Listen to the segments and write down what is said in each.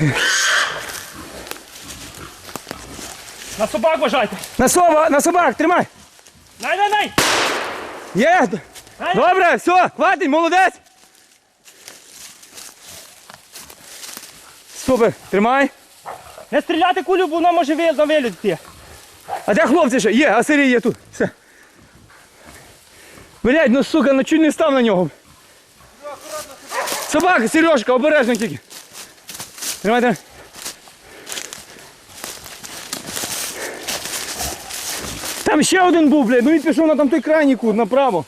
На собак вважайте. На собак, тримай. Най! Є. Добре, все, хватить, молодець. Супер, тримай. Не стріляти кулю, бо вона може на виліт йти. А де хлопці ще? Є, а Сергій є тут. Все. Блядь, ну сука, ну чуть не став на нього. Собака, Сережка, обережно тільки. Тримайте. Там ще один був, блядь, ну він пішов на там той крайній кут, направо.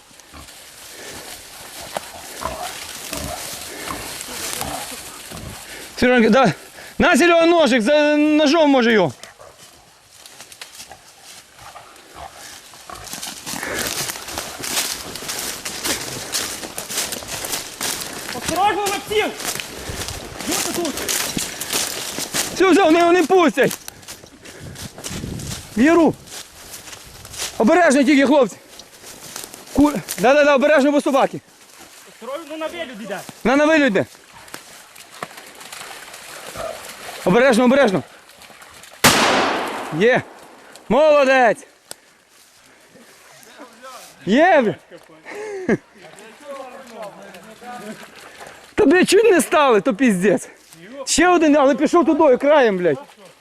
Сережка, да. На, Серега, ножик, за ножом може його. Осторожно, Максим! Юрка тут! Все, вони не пустять. Віру. Обережно тільки, хлопці. Да, обережно, бо собаки. Осторожно, на виліт йде. На вилюд йде. Обережно. Є. Молодець. Є, бля. Та, блядь, чуть не стали, то піздець. Ще один, але пішов тудою, краєм, блядь.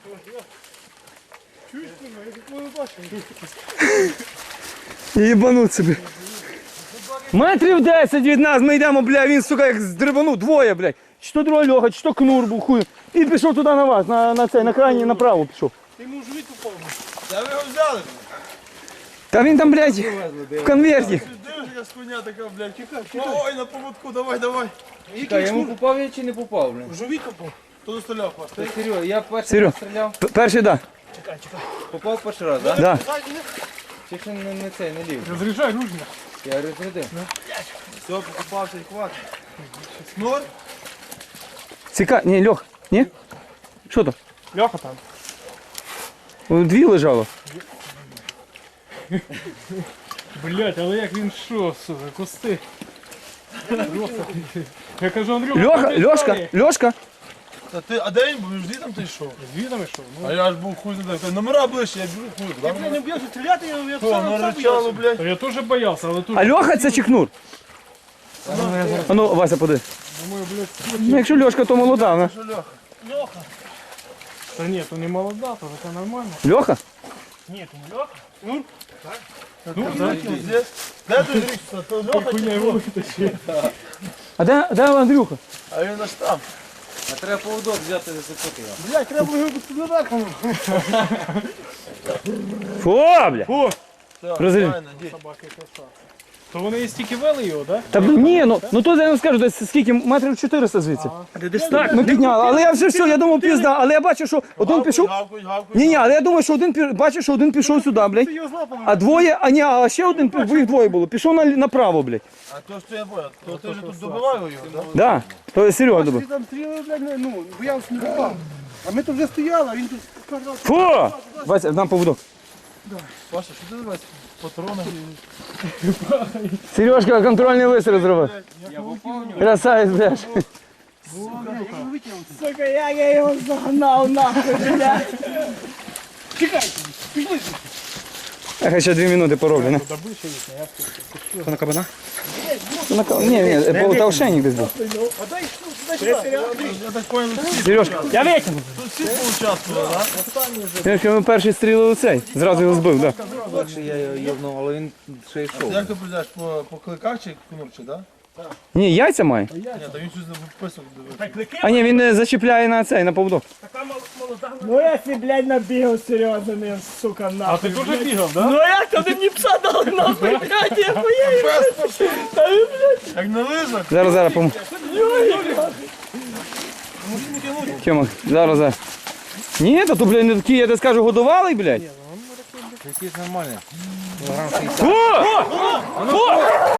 Єбануть собі. Метрів 10 від нас ми йдемо, бля, він, сука, як здрибанув, двоє, блядь. Чи то другий Льоха, чи то Кнур був, хуй. І пішов туди на вас, на крайній, направо пішов. Ти йому живі попав. Та ви його взяли? Та він там, блядь, в конверті. Дивись, коня така, блядь, чекай. Ой, на поводку, давай. Та я йому попав я чи не попав, блін? Живі попав. Хто застріляв вас? Та Серьо, я перший Серьо. раз стріляв. Перший, да. Попав перший раз, так? Да. Чи ще не цей, не лів? Розряджай ружня. Я розрядив. Все, покупався і хватить. Снор? Ні, Льох, ні? Що то? Льоха там. Дві лежало. Блять, але як він що, сука, кусти. Я кажу, Андрюха, Льошка. Та ти, а де він був? Жди там ти йшов. звідом йшов. А я ж був хуй знає. Номера ближче, я біжу хуй. Я не б'юся стріляти, я Що, наричало, блядь? Я теж боявся, але тут... А Льоха це чи Кнур? А ну, Вася, поди. Ну, якщо Льошка, то молода, вона. Що, Льоха? Льоха. Та ні, то не молода, то це нормально. Льоха? Ні, то не Льоха. Ну, здесь. Де ти зрікся? То Льоха чи Хуйня хто? його витащив. А де Андрюха? А він аж там. А треба поводок взяти за цепоти. Блядь, треба було його наверху. Фу, бля. О, Розрі- Файно, дій. собаки краса. То вони і стільки вели його, так? Та ні, ну то я не скажу, десь скільки, метрів 400 звідси. Так, ми підняли, але я все, я думав пізда, але я бачу, що один пішов. Гавкуть. Ні, але я думаю, що бачу, що один пішов сюди, блядь. А двоє, а ще один, бо їх двоє було, пішов направо, блядь. А то що я бояв, то ти вже тут добивав його, так? Да, то Серега добив. Там стріли, блядь, ну, боявся не попав. А ми тут вже стояли, а він тут сказав, Фу! Вася, нам поводок. Паша, що ти давай? Патрони. Сережка контрольний вистріл зробив. Красавець, блядь. сука, як я його загнав нахуй, блядь. Я ще 2 минути пороблю, не? Що на кабана? Ні, полтавшенник десь був. Я так понял, Сережка, Я витягну. тут всі поучаствували, так? Сережка, ми перший стріли у цей, зразу його збив, так. Легше я його йобнув, але він ще йшов. Як ти прийдеш по кликах чи кнопче, так? Ні, яйця має. Ні, та він щось не виписок дивився. А ні, він не зачіпляє на цей, на поводок. Ну я си, блядь, набігав серйозно, не, сука, А нахуй. ти теж бігав, так? Ну як то ти мені пса дали нахуй, блядь, я хуєю. Та ви, блядь, Як на лижах. Зараз помогу. Тьома, зараз. Ні, то, блядь, не такі, я тебе скажу, годувалий, блядь. Якийсь нормальний. Кілограм 60. Фу! Фу!